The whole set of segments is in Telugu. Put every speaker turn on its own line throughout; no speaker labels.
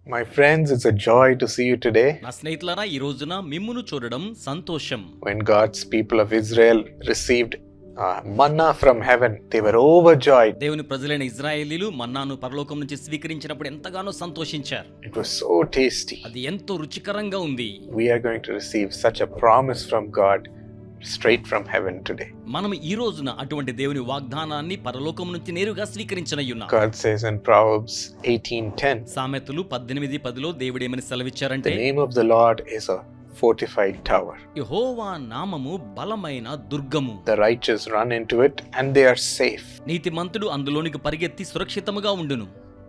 My friends, it's a joy to see you today.
నా స్నేహితులారా, ఈ రోజున మిమ్మును చూడడం సంతోషం.
When God's people of Israel received manna from heaven, they were overjoyed.
దేవుని ప్రజలైన ఇశ్రాయేలీలు మన్నాను పరలోకం నుంచి స్వీకరించినప్పుడు ఎంతగానో సంతోషించారు.
It was so tasty.
అది ఎంతో రుచికరంగా ఉంది.
We are going to receive such a promise from God straight from heaven today.
మనం ఈ రోజున అటువంటి దేవుని వాగ్దానాన్ని పరలోకం నుంచి నేరుగా స్వీకరించనయ్యున్నాం.
God says in Proverbs 18:10,
సామెతలు 18:10లో దేవుడు ఏమని సెలవిచ్చారంటే,
the name of the Lord is a fortified tower.
యెహోవా నామము బలమైన దుర్గము.
The righteous run into it and they are safe.
నీతిమంతుడు అందులోనికి పరిగెత్తి సురక్షితముగా ఉండును.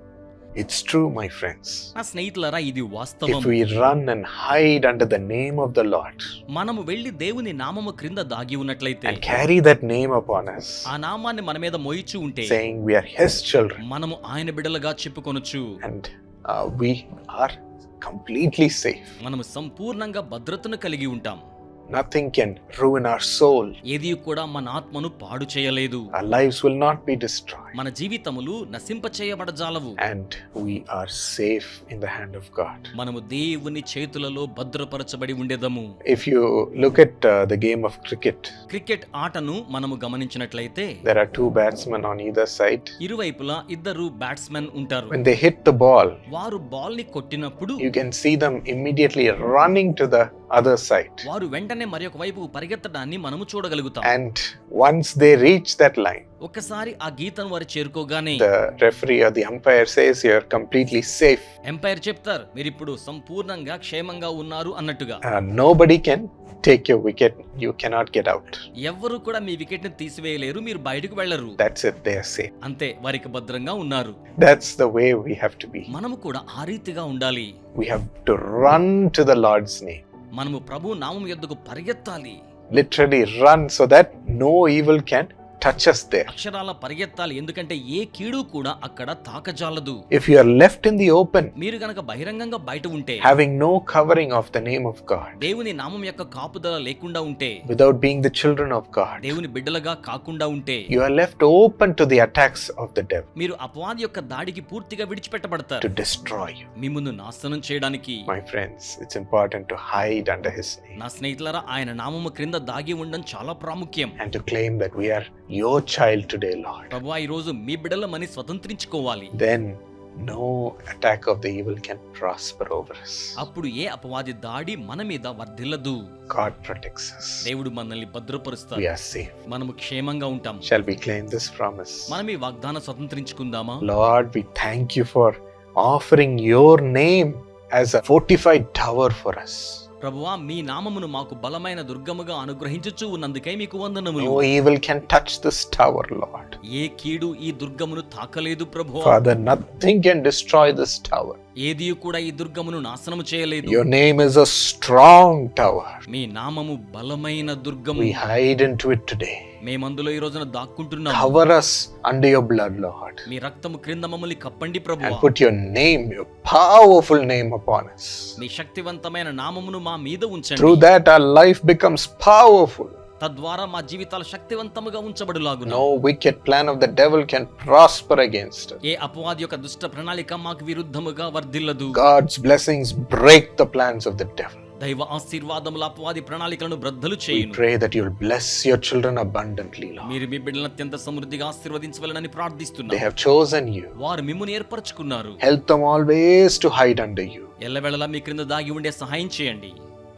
It's true, my friends.
నా స్నేహితులారా, ఇది వాస్తవం.
If we run and hide under the name of the Lord
మనము వెళ్లి దేవుని నామము క్రింద దాగి ఉన్నట్లయితే
and carry that name upon us,
ఆ నామాన్ని మన మీద మోయిచు ఉంటే,
saying we are His children,
మనము ఆయన బిడ్డలుగా చెప్పుకొనొచ్చు.
and we are completely safe.
మనము సంపూర్ణంగా భద్రతను కలిగి ఉంటాం.
Nothing can ruin our soul.
ఏది కూడా మన ఆత్మను పాడు చేయలేదు.
Our lives will not be destroyed.
మన జీవితములు నశింప చేయబడజాలవు.
And we are safe in the hand of God.
మనము దేవుని చేతులలో భద్రపరచబడి ఉండేదము.
If you look at the game of cricket,
cricket ఆటను మనము గమనించినట్లయితే,
there are two batsmen on either side.
ఇరువైపులా ఇద్దరు బ్యాట్స్మెన్ ఉంటారు.
When they hit the ball,
వారు బాల్ ని కొట్టినప్పుడు
you can see them immediately running to the other side.
వారు వెంటనే మరి ఒక వైపు పరిగెత్తడాన్ని మనము చూడగలుగుతాం.
And once they reach that line,
ఒక్కసారి ఆ గీతను వారు చేరుకోగానే
the referee or the umpire says you're completely safe.
Umpire చెప్తారు, మీరు ఇప్పుడు సంపూర్ణంగా క్షేమంగా ఉన్నారు అన్నట్టుగా.
Nobody can take your wicket. You cannot get out.
ఎవ్వరు కూడా మీ వికెట్ ని తీసివేయలేరు, మీరు బయటకు వెళ్లరు.
That's it. They are safe.
అంతే, వారికి భద్రంగా ఉన్నారు.
That's the way we have to be.
మనము కూడా ఆ రీతిగా ఉండాలి.
We have to run to the Lord's name.
మనము ప్రభు నామం యొద్దకు పరిగెత్తాలి.
Literally run so that no evil can touch us there.
అక్షరాల పరిగెత్తాలి, ఎందుకంటే ఏ కీడు కూడా అక్కడ తాకజాలదు.
If you are left in the open,
మీరు గనక బహిరంగంగా బయట ఉంటే,
having no covering of the name of God,
దేవుని నామం యొక్క కాపుదల లేకుండా ఉంటే,
without being the children of God,
దేవుని బిడ్డలుగా కాకుండా ఉంటే,
you are left open to the attacks of the devil,
మీరు అపవాది యొక్క దాడికి పూర్తిగా విడిచిపెట్టబడతారు,
to destroy you.
మిమ్మును నాశనం చేయడానికి.
My friends, it's important to hide under His name
నా స్నేహితులారా, ఆయన నామము క్రింద దాగి ఉండడం చాలా ప్రాముఖ్యం.
and to claim that we are your child today, Lord.
ప్రభువా, ఈ రోజు మీ బిడ్డలమని స్వతంత్రించుకోవాలి.
Then no attack of the evil can prosper over us.
అప్పుడు ఏ అపవాది దాడి మన మీద వర్ధిల్లదు.
God protects us.
దేవుడు మనల్ని భద్రపరుస్తాడు.
We are safe.
మనము క్షేమంగా ఉంటాం.
Shall we claim this promise?
మనం ఈ వాగ్దానం స్వతంత్రించుకుందామా?
Lord, we thank you for offering your name as a fortified tower for us.
ప్రభువా, మీ నామమును మాకు బలమైన దుర్గముగా అనుగ్రహించుచు ఉన్నందుకై మీకు వందనములు.
No evil can touch this tower, Lord.
ఏ కీడు ఈ దుర్గమును తాకలేదు ప్రభువా.
Father, nothing can destroy this tower.
ఏది కూడా ఈ దుర్గమును నాశనము చేయలేదు.
Your name is a strong tower.
మీ నామము బలమైన దుర్గము.
We hide into it today.
మేమందులో ఈ రోజున దాక్కుంటున్నాము.
Cover us under your blood, Lord.
మీ రక్తము క్రింద మమ్మల్ని కప్పండి
And
ప్రభువా.
put your name, your powerful name upon us.
మీ శక్తివంతమైన నామమును మా మీద ఉంచండి.
Through that our life becomes powerful.
తద్వారా మా జీవితాలు శక్తివంతముగా ఉంచబడులాగున.
No wicked plan of the devil can prosper against us.
ఏ అపవాది యొక్క దుష్ట ప్రణాళిక మాకు విరుద్ధముగా వర్ధిల్లదు.
God's blessings break the plans of the devil.
దైవ ఆశీర్వాదముల అపవాది ప్రణాళికలను బ్రద్దలు
We
చేయును.
pray that you'll bless your children abundantly, Lord.
మీరు మీ బిడ్డలను అత్యంత సమృద్ధిగా ఆశీర్వదించవలెనని
They
ప్రార్థిస్తున్నాను.
have chosen you.
వారు మిమ్మును ఏర్పరచుకున్నారు.
Help them always to hide under you,
ఎల్లవేళలా మీ క్రింద దాగి ఉండే సహాయం చేయండి.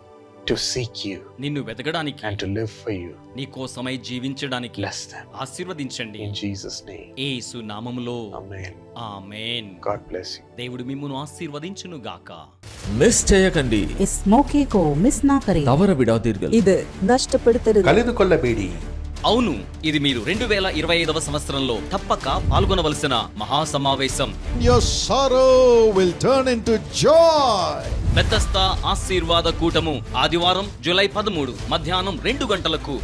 to seek you
నిన్ను వెతకడానికి,
and to live for you.
నీ కోసమై జీవించడానికి
Bless them.
ఆశీర్వదించండి.
In Jesus' name.
యేసు నామములో
Amen.
Amen.
God bless you.
దేవుడు మిమ్మును ఆశీర్వదించును గాక.
മിസ് ചെയ്യకండి.
इस मौके को मिस ना करें.
തവറ വിടാതിരുകൾ.
ഇത് നഷ്ടപ്പെടുത്തരുത്.
ಕಳೆದುಕೊಳ್ಳಬೇಡಿ.
అవును, ఇది మీరు 2025వ సంవత్సరంలో తప్పక పాల్గొనవలసిన మహాసమావేశం.
Your sorrow will turn into joy.
Bethesda ఆశీర్వాద కూటము ఆదివారం జూలై 13 మధ్యాహ్నం 2 గంటలకు.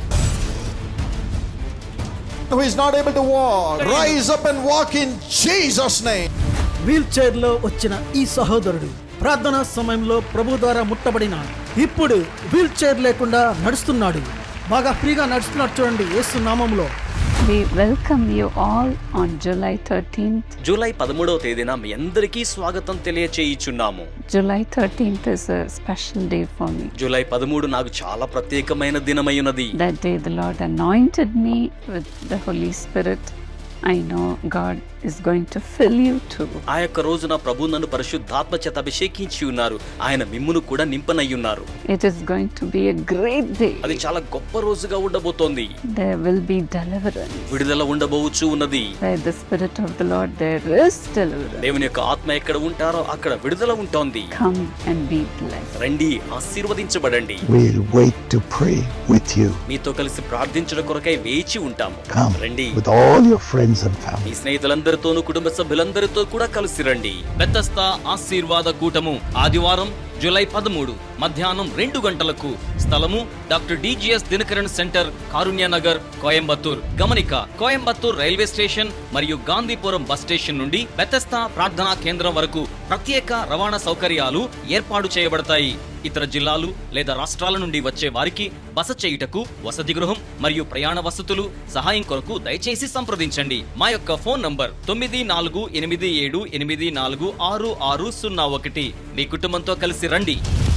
Who is not able to walk, rise up and walk in Jesus' name.
Wheelchair లో వచ్చిన ఈ సహోదరుడు ప్రార్థనా సమయంలో ప్రభు ద్వారా ముట్టబడిన ఇప్పుడు వీల్ చైర్ లేకుండా నడుస్తున్నాడు. బాగా ఫ్రీగా నడుస్తున్నాడు చూడండి యేసు నామములో.
We welcome you all on July 13th.
July 13వ తేదీన మీ అందరికీ స్వాగతం తెలియచేయుచున్నాము.
July 13th is a special day for me.
July 13 నాకు చాలా ప్రత్యేకమైన దినమైనది.
That day the Lord anointed me with the Holy Spirit. I know God is going to fill you too.
ఆ యొక్క రోజున ప్రభు నన్ను పరిశుద్ధాత్మ చేత అభిషేకించి ఉన్నారు. ఆయన మిమ్మును కూడా నింపనయ్యున్నారు.
It is going to be a great day.
అది చాలా గొప్ప రోజుగా ఉండబోతోంది.
There will be deliverance.
విడుదల ఉండబోవచ్చు ఉన్నది.
Where the Spirit of the Lord, there is deliverance.
దేవుని యొక్క ఆత్మ ఎక్కడ ఉంటారో అక్కడ విడుదల ఉంటుంది.
Come and be blessed.
రండి, ఆశీర్వదించబడండి.
We'll wait to pray with you.
మీతో కలిసి ప్రార్థించడం కొరకై వేచి ఉంటాము.
Come
రండి,
with all your friends and
me
family.
స్నేహితులందరితోనూ కుటుంబ సభ్యులందరితో కూడా కలిసి రండి. బెతెస్దా ఆశీర్వాద కూటము ఆదివారం జూలై 13 మధ్యాహ్నం 2 గంటలకు. స్థలము doctor DGS Dhinakaran centre, Karunya Nagar, Coimbatore. గమనిక, కోయంబత్తూర్ రైల్వే స్టేషన్ మరియు గాంధీపురం బస్ స్టేషన్ నుండి బెతెస్దా ప్రార్థనా కేంద్రం వరకు ప్రత్యేక రవాణా సౌకర్యాలు ఏర్పాటు చేయబడతాయి. ఇతర జిల్లాలు లేదా రాష్ట్రాల నుండి వచ్చే వారికి బస చేయుటకు వసతి గృహం మరియు ప్రయాణ వసతులు సహాయం కొరకు దయచేసి సంప్రదించండి. మా యొక్క ఫోన్ నంబర్ 9487846601. మీ కుటుంబంతో కలిసి రండి.